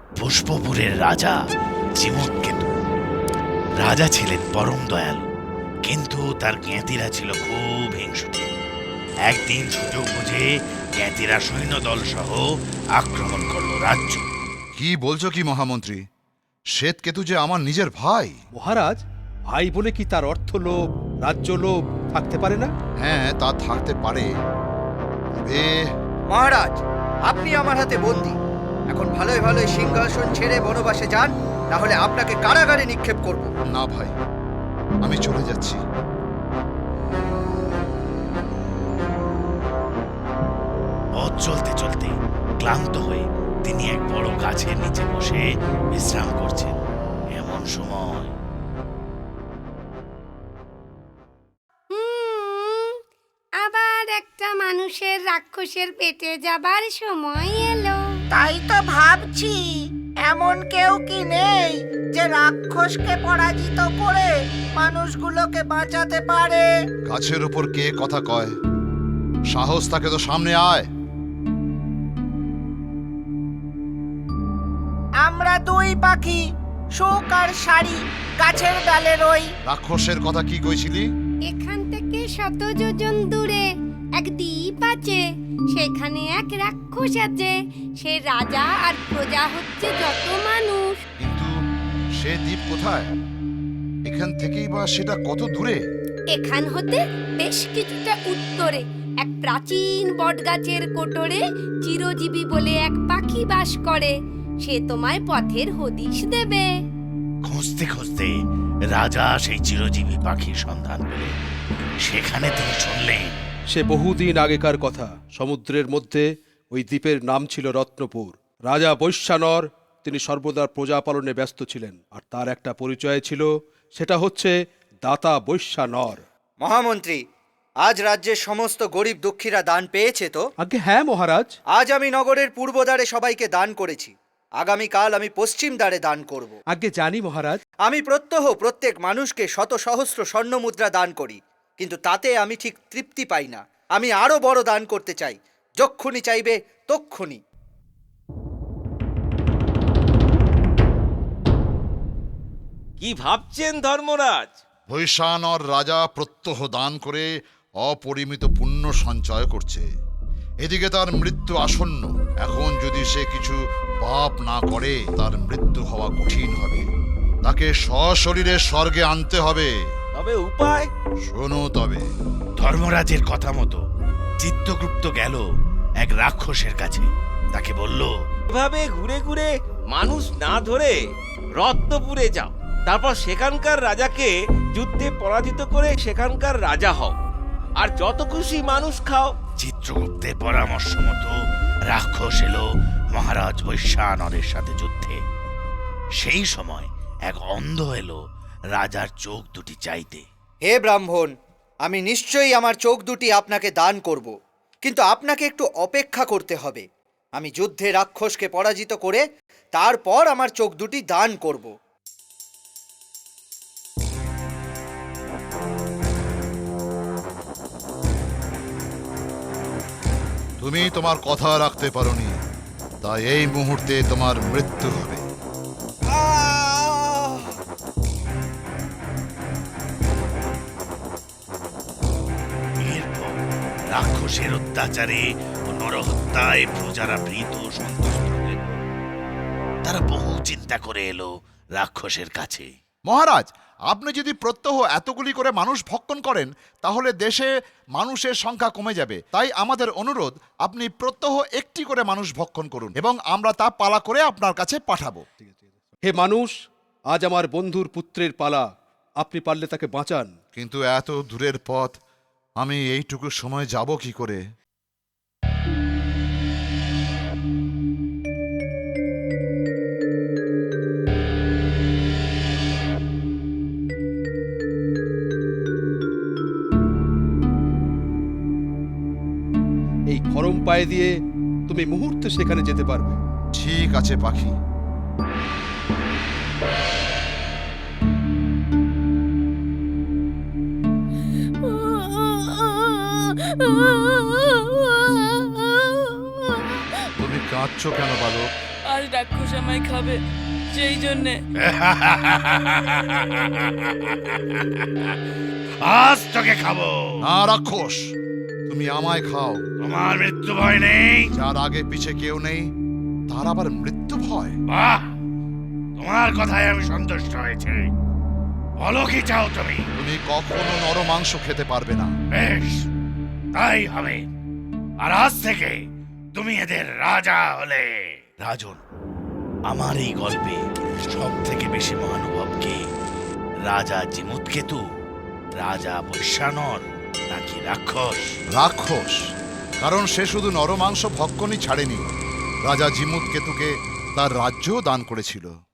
পুষ্পপুরের রাজা চিমৎকেতু। রাজা ছিলেন পরম দয়ালু, কিন্তু তার জ্ঞাতিরা ছিল খুব হিংসুটে। একদিন সুযোগ বুঝে জ্ঞাতিরা সৈন্যদল সহ আক্রমণ করল রাজ্য। কি বলছো কি মহামন্ত্রী? শ্বেতকেতু যে আমার নিজের ভাই। মহারাজ, ভাই বলে কি তার অর্থ লোভ, রাজ্য লোভ থাকতে পারে না? হ্যাঁ, তা থাকতে পারে, তবে মহারাজ, আপনি আমার হাতে বন্দী। এখন ভালোই ভালোই সিংহাসন ছেড়ে বনবাসে যান, না হলে আপনাকে কারাগারে নিক্ষেপ করব। না ভাই, আমি চলে যাচ্ছি। পথ চলতে চলতে ক্লান্ত হয়ে তিনি এক বড় গাছের নিচে বসে বিশ্রাম করছেন। এমন সময় আবার একটা মানুষের রাক্ষসের পেটে যাবার সময় এলো। তাই তো ভাবছি, এমন কেউ কি নেই যে রাক্ষসকে পরাজিত করে মানুষগুলোকে বাঁচাতে পারে? গাছের উপর কে কথা কয়? সাহস থাকে তো সামনে আয়। আমরা দুই পাখি, সুখ আর শাড়ি, গাছের ডালে রই। রাক্ষসের কথা কি কইছিলি? এখান থেকে 100 যোজন দূরে এক দ্বীপ আছে, সেখানে এক রাক্ষস আছে। সে রাজা আর প্রজা হচ্ছে যত মানুষ। কিন্তু সে দ্বীপ কোথায়? এখান থেকেই বা সেটা কত দূরে? এখান হতে বেশ কিছুটা উত্তরে এক প্রাচীন বটগাছের কোটরে চিরজীবী বলে এক পাখি বাস করে। সে তোমায় পথের হদিশ দেবে। খুঁজতে খুঁজতে রাজা সেই চিরজীবী পাখির সন্ধান পেলেন। সেখানে তিনি শুনলেন সে বহুদিন আগেকার কথা। সমুদ্রের মধ্যে ওই দ্বীপের নাম ছিল রত্নপুর। রাজা বৈশ্যানর, তিনি সর্বদা প্রজা পালনে ব্যস্ত ছিলেন, আর তার একটা পরিচয় ছিল, সেটা হচ্ছে দাতা বৈশ্যানর। মহামন্ত্রী, আজ রাজ্যের সমস্ত গরিব দুঃখীরা দান পেয়েছে তো? আগে হ্যাঁ মহারাজ। আজ আমি নগরের পূর্ব দ্বারে সবাইকে দান করেছি। আগামীকাল আমি পশ্চিম দ্বারে দান করব। আগে জানি মহারাজ। আমি প্রত্যহ প্রত্যেক মানুষকে শত সহস্র স্বর্ণ মুদ্রা দান করি, কিন্তু তাতে আমি ঠিক তৃপ্তি পাই না। আমি আরো বড় দান করতে চাই। যক্ষুনি চাইবে তক্ষুনি। কি ভাবছেন ধর্মরাজ? বৈশ্যানর রাজা প্রত্যহ দান করে অপরিমিত পুণ্য সঞ্চয় করছে। এদিকে তার মৃত্যু আসন্ন। এখন যদি সে কিছু পাপ না করে, তার মৃত্যু হওয়া কঠিন হবে। তাকে সশরীরে স্বর্গে আনতে হবে। তবে উপায়? শোনো তবে। ধর্মরাজের কথা মতো চিত্তগুপ্ত গেল এক রাক্ষসের কাছে। তাকে বলল, এভাবে ঘুরে ঘুরে মানুষ না ধরে রত্নপুরে যাও, তারপর সেখানকার রাজাকে যুদ্ধে পরাজিত করে সেখানকার রাজা হও, আর যত খুশি মানুষ খাও। চিত্রগুপ্তের পরামর্শ মতো রাক্ষস এলো মহারাজ বৈশ্যানরের সাথে যুদ্ধে। সেই সময় এক অন্ধ এলো রাজার চোখ দুটি চাইতে। হে ব্রাহ্মণ, আমি নিশ্চয়ই আমার চোখ দুটি আপনাকে দান করব, কিন্তু আপনাকে একটু অপেক্ষা করতে হবে। আমি যুদ্ধে রাক্ষসকে পরাজিত করে তারপর আমার চোখ দুটি দান করব। তুমি তোমার কথা রাখতে পারোনি, তাই এই মুহূর্তে তোমার মৃত্যু হবে। এরপর রাক্ষসের অত্যাচারে ও নরহত্যায় প্রজারা ভীত ও সন্তুষ্ট হলেন। তারা বহু চিন্তা করে এলো রাক্ষসের কাছে। মহারাজ, আপনি যদি প্রত্যহ এতগুলি করে মানুষ ভক্ষণ করেন, তাহলে দেশে মানুষের সংখ্যা কমে যাবে। তাই আমাদের অনুরোধ, আপনি প্রত্যহ একটি করে মানুষ ভক্ষণ করুন এবং আমরা তা পালা করে আপনার কাছে পাঠাবো। হে মানুষ, আজ আমার বন্ধুর পুত্রের পালা। আপনি পারলে তাকে বাঁচান। কিন্তু এত দূরের পথ আমি এইটুকু সময় যাব কি করে? এই গরম পায়ে দিয়ে তুমি মুহূর্তে সেখানে যেতে পারবে। ঠিক আছে পাখি। তুমি কাঁদছো কেন বালক? আজ রাক্ষস আমায় খাবে, সেই জন্যে। আজ তোকে খাবো। না রাক্ষস, তুমি আমায় খাও। তোমার মৃত্যু ভয় নেই? যার আগে পিছে কেউ নেই তার আবার মৃত্যু ভয়? বাহ, তোমার কথায় আমি সন্তুষ্ট হয়েছে। বলো কি চাও তুমি? তুমি কখনো নর মাংস খেতে পারবে না। বেশ, তাই হবে। আর আজ থেকে তুমি এদের রাজা হলে। রাজন, আমার এই গল্পে সব থেকে বেশি মহানুভব কে? রাজা জিমুৎকেতু, রাজা বৈশ্বানর, নাকি রাক্ষস? রাক্ষস, কারণ সে শুধু নরমাংস ভক্ষণই ছাড়েনি, রাজা জিমুৎকেতুকে তার রাজ্যও দান করেছিল।